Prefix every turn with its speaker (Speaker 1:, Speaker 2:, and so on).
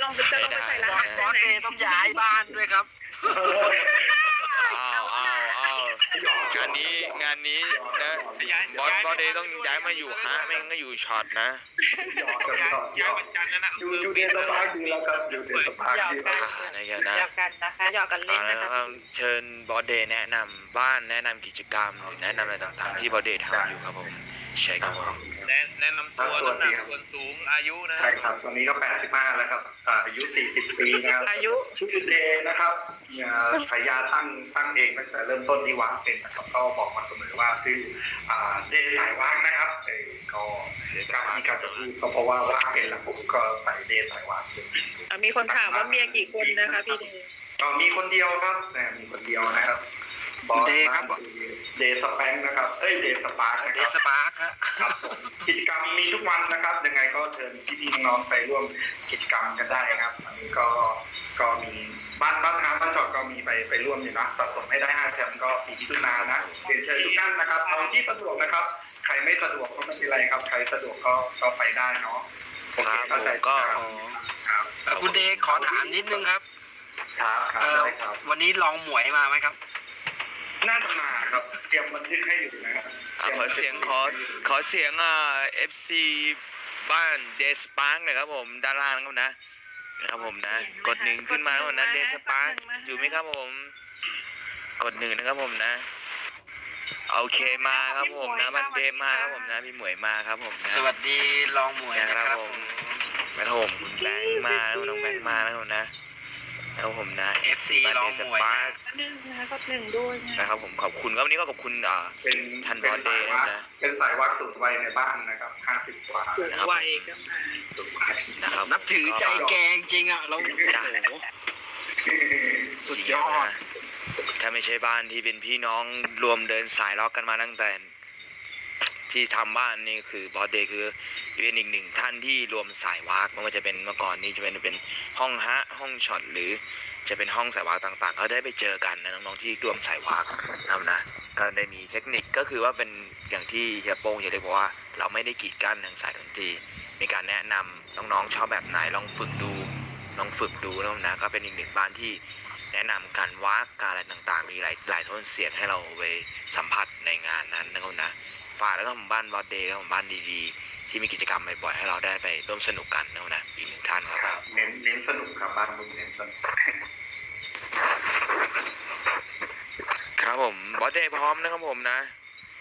Speaker 1: ลงไปใส่รหัส
Speaker 2: บอสเดย์ต้องย้ายบ้านด้วยครับ
Speaker 3: อ้าวงานนี้นะบอสเดย์ต้องย้ายมาอยู่ฮะไม่งั้นก็อยู่ช็อตนะ
Speaker 4: ย้ายวันจันทร์นะอยู่เดนสปาร์คดีแล้วครับอยู่เดนสปาร์คดีแล้ว
Speaker 3: นะ
Speaker 1: หยอกกันนะคะหยอกกันเล่นนะคะ
Speaker 3: เชิญบอสเดย์แนะนำบ้านแนะนำกิจกรรมหรือแนะนำอะไรต่างๆที่บอสเดย์ทำอยู่ครับผมใช่ครับผม
Speaker 2: แนะนำตัวน้ำหนักส่วนสูงอายุนะ
Speaker 4: ใช่ครับตอนนี้ก็85แล้วครับอายุ40ปีนะครับ
Speaker 1: อายุ
Speaker 4: ชื่อเดย์นะครับฉายาตั้งเองตั้งแต่เริ่มต้นที่วางเป็นนะครับก็บอกมาเสมอว่าชื่อเดย์สายวางนะครับก็การที่การจะพูดก็เพราะว่าวางเป็นแล้วผมก็ใส่เดย์สายวาง
Speaker 1: มีคนถามว่าเมียกี่คนนะคะพี่เดย์
Speaker 4: มีคนเดียวครับมีคนเดียวนะครับ
Speaker 2: เดย์ครับ
Speaker 4: เดย์สแปงนะครับเดย์สปาร์ค
Speaker 2: เดย์สปาร์คครับ
Speaker 4: กิจกรรมมีทุกวันนะครับยังไงก็เชิญพี่ๆน้องๆไปร่วมกิจกรรมกันได้ครับอันนี้ก็มีบ้านจอดก็มีไปร่วมอยู่นะสะสมให้ได้5แชมป์ก็ปีที่ทุกนานะเชิญทุกท่านนะครับเอาที่สะดวกนะครับใครไม่สะดวกก็ไม่เป็นไรครับใครสะดวกก็ไปได้เนาะ
Speaker 3: โอเคเข้าใจ
Speaker 2: ก็คุณเดย์ขอถามนิดนึงครับวันนี้ลองหมวยมาไหมครับ
Speaker 4: น่าจะมาครับเตรียมบันทึกให้อยู่นะครับ
Speaker 3: ขอเสียงFC บ้านเดสปาร์กนะครับผมด้านล่างนะครับผมนะกด1ขึ้นมาแล้วนะเดสปาร์กอยู่ไหมครับผมกด1นะครับผมนะโอเคมาครับผมนะมันเดมาครับผมนะพี่หมวยมาครับผม
Speaker 2: สวัสดีลองหมวยนะครับ
Speaker 3: ผมนะครับผมคุณแบงค์มาแล้วน้องแบงค์มาแล้วนะครับผมนะ
Speaker 2: FC ลองหมวย
Speaker 1: ก็1ด้วย
Speaker 3: นะครับผมขอบคุณวันนี้ก็ขอบคุณ
Speaker 4: เป็น
Speaker 3: ทันบอลเดย์นะ
Speaker 4: เป็นสายวัดสูงวัยในบ้านนะครับ50 กว่า
Speaker 1: สูงวัยก็มา
Speaker 3: นะครับ
Speaker 2: นับถือใจแกงจริงอ่ะเรา
Speaker 3: สุดยอดถ้าไม่ใช่บ้านที่เป็นพี่น้องรวมเดินสายล็อกกันมาตั้งแต่ที่ทำบ้านนี่คือบอสเดย์คือเป็นอีกหนึ่งท่านที่รวมสายวากไม่ว่าจะเป็นเมื่อก่อนนี้จะเป็นห้องฮะห้องช็อตหรือจะเป็นห้องสายวากต่างๆก็ได้ไปเจอกันนะน้องๆที่รวมสายวากนะก็ได้มีเทคนิคก็คือว่าเป็นอย่างที่เฮียโป้งเฮียเล็กบอกว่าเราไม่ได้กีดกั้นทางสายดนตรีมีการแนะนำน้องๆชอบแบบไหนลองฝึกดูนะก็เป็นอีกหนึ่งบ้านที่แนะนำการวากการอะไรต่างๆมีหลายโทนเสียงให้เราไปสัมผัสในงานนั้นนะฝากแล้วก็บ้านบอสเดย์แล้วก็บ้านดีๆที่มีกิจกรรมบ่อยๆให้เราได้ไปร่วมสนุกกันนะอีกหนึ่งท่านครับ
Speaker 4: เน้นสนุกครับบ้านมึงเน้นสนุก
Speaker 3: ครับผมบอสเดย์พร้อมนะครับผมนะ